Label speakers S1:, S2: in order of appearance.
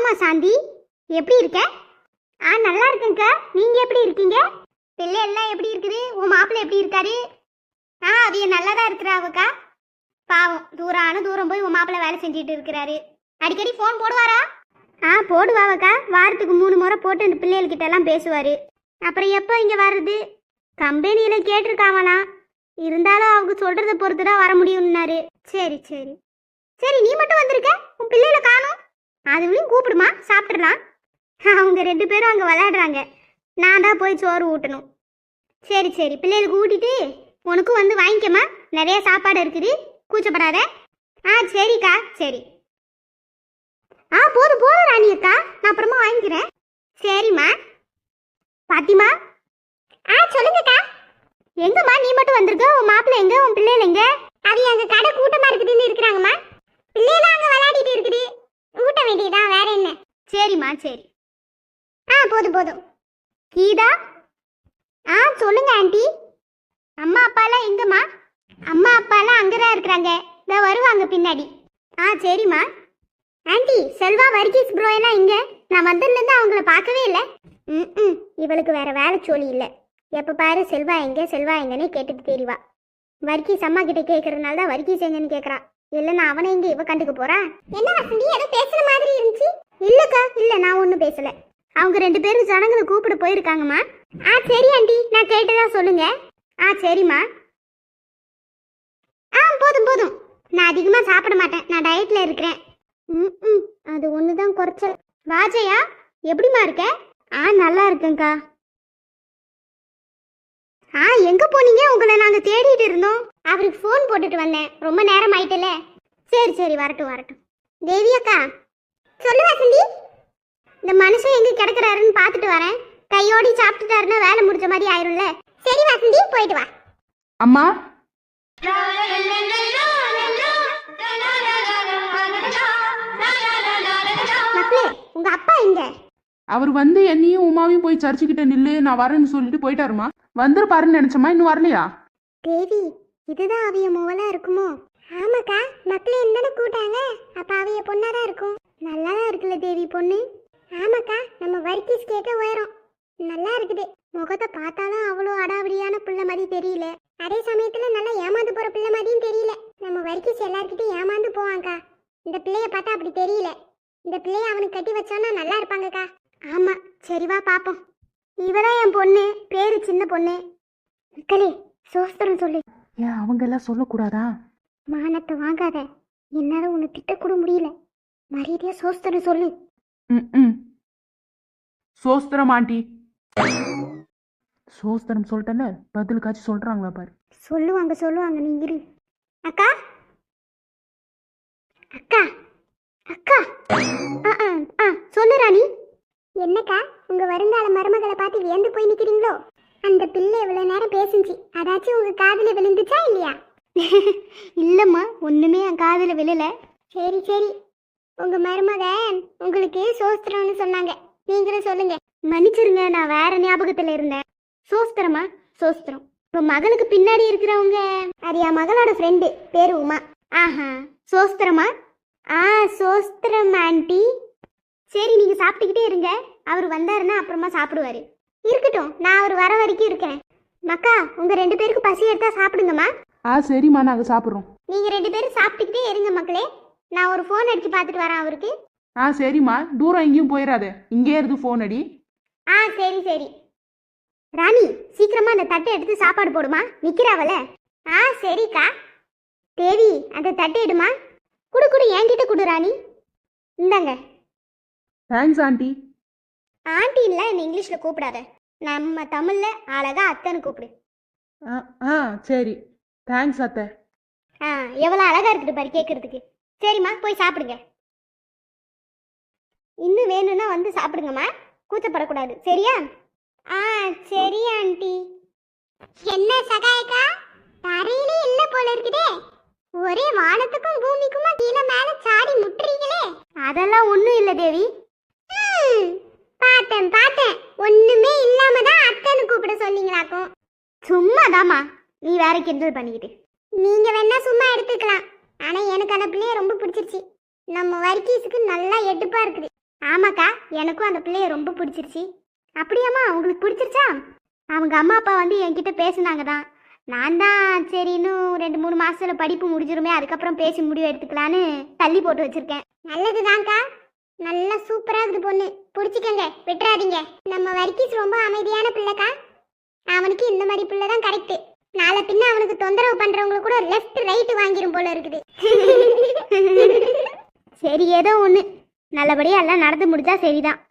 S1: வாமா சாந்தி, எப்படி இருக்க? நல்லா இருக்கேங்க்கா. நீங்க எப்படி இருக்கீங்க? பிள்ளை எல்லாம் எப்படி இருக்குது? உன் மாப்பிள்ளை எப்படி இருக்காரு? அவிய நல்லா தான் இருக்கிறாவுக்கா. பாவம், தூரம் போய் உன் மாப்பிள்ளை வேலை செஞ்சுட்டு இருக்கிறாரு. அடிக்கடி ஃபோன் போடுவாரா? போடுவாவக்கா. வாரத்துக்கு 3 முறை போட்டு அந்த பிள்ளைகள்கிட்ட எல்லாம் பேசுவாரு. அப்புறம் எப்போ இங்கே வர்றது? கம்பெனியில் கேட்டிருக்காங்களாம். இருந்தாலும் அவங்க சொல்கிறத பொறுத்து தான் வர முடியும்னாரு. சரி சரி சரி, நீ மட்டும் வந்திருக்க, உன் பிள்ளைகளை காணும். அதுவும் கூப்பிடுமா, சாப்பிட்றலாம். அவங்க 2 பேரும் அங்கே விளையாடுறாங்க. நான் தான் போய் சோறு ஊட்டணும். சரி சரி, பிள்ளைகளுக்கு ஊட்டிட்டு உனக்கும் வந்து வாங்கிக்கம்மா. நிறைய சாப்பாடு இருக்குது, கூச்சப்படாத. சரிக்கா சரி. போதும் போதும் ராணி அக்கா, நான் அப்புறமா வாங்கிக்கிறேன். சரிம்மா. பாத்திமா. சொல்லுங்கக்கா. எங்கம்மா நீ மட்டும் வந்திருக்க? உன் மாப்பிள்ளை எங்க, உன் பிள்ளைகள் எங்க? அது எங்க கடை கூட்டமா இருக்குதுன்னு இருக்கிறாங்கம்மா. பிள்ளைலாம் அங்க விளையாடிட்டு இருக்குது, ஊட்ட வேண்டியதான், வேற என்ன? சரிம்மா சரி. போதும் போதும். கீதா. சொல்லுங்க ஆண்டி. அம்மா அப்பாலாம் எங்கம்மா? அம்மா அப்பாலாம் அங்கதான் இருக்கிறாங்க, இதோ வருவாங்க பின்னாடி. சரிம்மா. ஆண்டி, செல்வா வர்கீஸ் ப்ரோ எல்லாம் இங்க? நான் வந்ததுலேருந்து அவங்கள பார்க்கவே இல்லை. இவளுக்கு வேற வேலை சொல்லி இல்லை. எப்போ பாரு செல்வா எங்க செல்வா எங்கன்னே கேட்டுட்டு தெரியவா. வர்கீஸ் அம்மா கிட்ட கேட்கறதுனால தான் வர்கீஸ் எங்கன்னு கேட்கறான். இல்லைன்னா அவனை எங்க இவ கண்டுக்க போறான். என்ன வசந்தி, ஏதோ பேசுற மாதிரி இருந்துச்சு? இல்லக்கா, இல்ல நான் ஒன்றும் பேசல. அவங்க 2 பேரும் ஜனங்களை கூப்பிட போயிருக்காங்கம்மா. சரி ஆண்டி, நான் கேட்டதா சொல்லுங்க. சரிம்மா. போதும் போதும், நான் அதிகமா சாப்பிட மாட்டேன், நான் டயட்ல இருக்கிறேன். அது ஒண்ணுதான் குறைச்சல். வாஜையா, எப்படிமா இருக்க? நல்லா இருக்கேங்க்கா. எங்க போனீங்க? உங்களை நாங்க தேடிட்டு இருந்தோம். அவருக்கு ஃபோன் போட்டுட்டு வந்தேன், ரொம்ப நேரம் ஆயிட்டல. சரி சரி, வரட்டும் வரட்டும். தேவி அக்கா. சொல்லு வசந்தி. இந்த மனுஷன் எங்க கிடக்குறாருன்னு பார்த்துட்டு வரேன். கையோடி சாப்பிட்டுட்டாருன்னா வேலை முடிஞ்ச மாதிரி ஆயிரும்ல. சரி வசந்தி, போயிட்டு வா.
S2: அம்மா.
S1: மக்களே, உங்க அப்பா எங்க?
S2: அவர் வந்து என்னையும் உமாவையும் போய் சர்ச்சுக்கிட்ட நில்லு, நான் வரேன்னு சொல்லிட்டு போயிட்டாருமா. வந்துருப்பாருன்னு நினைச்சமா, இன்னும் வரலையா?
S1: தேவி, இதுதான் அவிய மூவலா இருக்குமோ? ஆமாக்கா, மக்களே என்னன்னு கூட்டாங்க. அப்ப அவிய பொண்ணாதான் இருக்கும். நல்லாதான் இருக்குல்ல தேவி பொண்ணு? ஆமாக்கா, நம்ம வர்க்கீஸ் கேட்க உயரம் நல்லா இருக்குது. முகத்தை பார்த்தாலும் அவ்வளோ அடாவடியான பிள்ளை மாதிரி தெரியல. அதே சமயத்துல நல்லா ஏமாந்து போற பிள்ளை மாதிரியும் தெரியல. நம்ம வர்க்கீஸ் எல்லார்கிட்டையும் ஏமாந்து போவாங்கக்கா. இந்த பிள்ளைய பார்த்தா அப்படி தெரியல. இந்த பிள்ளைய அவனுக்கு கட்டி வச்சோன்னா நல்லா இருப்பாங்கக்கா. ஆமா, சரிவா பாப்போம். இவதான் என் பொண்ணு, பேரு சின்ன பொண்ணு. மக்களே, சோஸ்திரம் சொல்லு.
S2: ஏன் அவங்க எல்லாம் சொல்லக்கூடாதா?
S1: மானத்தை வாங்காத, என்னால உன்னை திட்டக்கூட முடியல. மரியாதையா சோஸ்திரம் சொல்லு.
S2: சோஸ்திரம் ஆண்டி. சோஸ்திரம் சொல்லிட்டல, பதிலுக்காச்சும் சொல்றாங்களா பாரு.
S1: சொல்லுவாங்க சொல்லுவாங்க, நீ இரு. அக்கா அக்கா அக்கா. சொல்லு ராணி. என்னக்கா, உங்க வருங்கால மருமகளை பார்த்து வியந்து போய் நிக்கிறீங்களோ? அந்த பிள்ளை இவ்வளவு நேரம் பேசுச்சு, அதாச்சும் உங்க காதுல விழுந்துச்சா இல்லையா? இல்லம்மா, ஒண்ணுமே என் காதுல விழல. சரி சரி, உங்க மருமகன் உங்களுக்கு சோஸ்திரம்னு சொன்னாங்க, நீங்களும் சொல்லுங்க. மன்னிச்சிருங்க, நான் வேற ஞாபகத்துல இருந்தேன். சோஸ்திரமா? சோஸ்திரம். இப்போ மகளுக்கு பின்னாடி இருக்கிறவங்க, அது என் மகளோட ஃப்ரெண்டு, பேரு உமா. சோஸ்திரமா? சோஸ்திரம் ஆண்டி. சரி, நீங்க சாப்பிட்டுக்கிட்டே இருங்க. அவர் வந்தாருன்னா அப்புறமா சாப்பிடுவாரு. இருக்கட்டும், நான் அவர் வர வரைக்கும் இருக்கேன். மக்கா, உங்க 2 பேருக்கு பசி எடுத்தா சாப்பிடுங்கம்மா.
S2: சரிம்மா, நாங்க சாப்பிட்றோம்.
S1: நீங்க 2 பேரும் சாப்பிட்டுக்கிட்டே இருங்க மக்களே. நான் ஒரு ஃபோன் அடிச்சு பார்த்துட்டு வரேன் அவருக்கு.
S2: சரிம்மா, தூரம் எங்கேயும் போயிடாத, இங்கே இருந்து ஃபோன் அடி.
S1: சரி சரி. ராணி, சீக்கிரமா அந்த தட்டை எடுத்து சாப்பாடு போடுமா, நிக்கிறாவல. சரிக்கா. தேவி, அந்த தட்டை எடுமா. குடு குடு, என்கிட்ட குடு ராணி. இந்தாங்க.
S2: Thanks aunty.
S1: ஆண்டி இல்லை, என்ன இங்கிலீஷ்ல கூப்பிடாத. நம்ம தமிழ்ல அழகா அத்தைன்னு கூப்பிடு.
S2: சரி, தேங்க்ஸ் அத்தை.
S1: எவ்வளோ அழகா இருக்குது பாரு கேட்கறதுக்கு. சரிம்மா, போய் சாப்பிடுங்க. இன்னும் வேணும்னா வந்து சாப்பிடுங்கம்மா, கூச்சப்படக்கூடாது, சரியா? சரி ஆண்டி. என்ன சகாயக்கா, தரையிலே இல்ல போல இருக்குதே. ஒரே வானத்துக்கும் பூமிக்குமா கீழே மேல சாடி முட்டுறீங்களே. அதெல்லாம் ஒண்ணும் இல்ல தேவி. பார்த்தேன் பார்த்தேன், ஒண்ணுமே இல்லாம தான் அத்தைன்னு கூப்பிட சொன்னீங்களாக்கும். சும்மாதாமா, நீ வேற கிண்டல் பண்ணிக்கிட்டு. நீங்க வேணா சும்மா எடுத்துக்கலாம், ஆனா எனக்கு அந்த பிள்ளைய ரொம்ப பிடிச்சிருச்சு. நம்ம வர்க்கீஸுக்கு நல்லா எடுப்பா இருக்குது. ஆமாக்கா, எனக்கும் அந்த பிள்ளைய ரொம்ப பிடிச்சிருச்சு. அப்படியாம்மா, உங்களுக்கு பிடிச்சிருச்சா? அவங்க அம்மா அப்பா வந்து என்கிட்ட பேசுனாங்க தான். நான் தான் சரி இன்னும் 2-3 மாசத்துல படிப்பு முடிஞ்சிருமே, அதுக்கப்புறம் பேசி முடிவு எடுத்துக்கலான்னு தள்ளி போட்டு வச்சிருக்கேன். நல்லதுதான்க்கா, நல்லா சூப்பரா இருக்குது பொண்ணு, பிடிச்சிக்கங்க, விட்டுறாதீங்க. நம்ம வர்க்கீஸ் ரொம்ப அமைதியான பிள்ளைக்கா, அவனுக்கு இந்த மாதிரி பிள்ளை தான் கரெக்ட். நாளை பின்ன அவனுக்கு தொந்தரவு பண்றவங்க கூட லெஃப்ட் ரைட் வாங்கிரும் போல இருக்குது. சரி, ஏதோ ஒண்ணு நல்லபடியா எல்லாம் நடந்து முடிஞ்சா சரிதான்.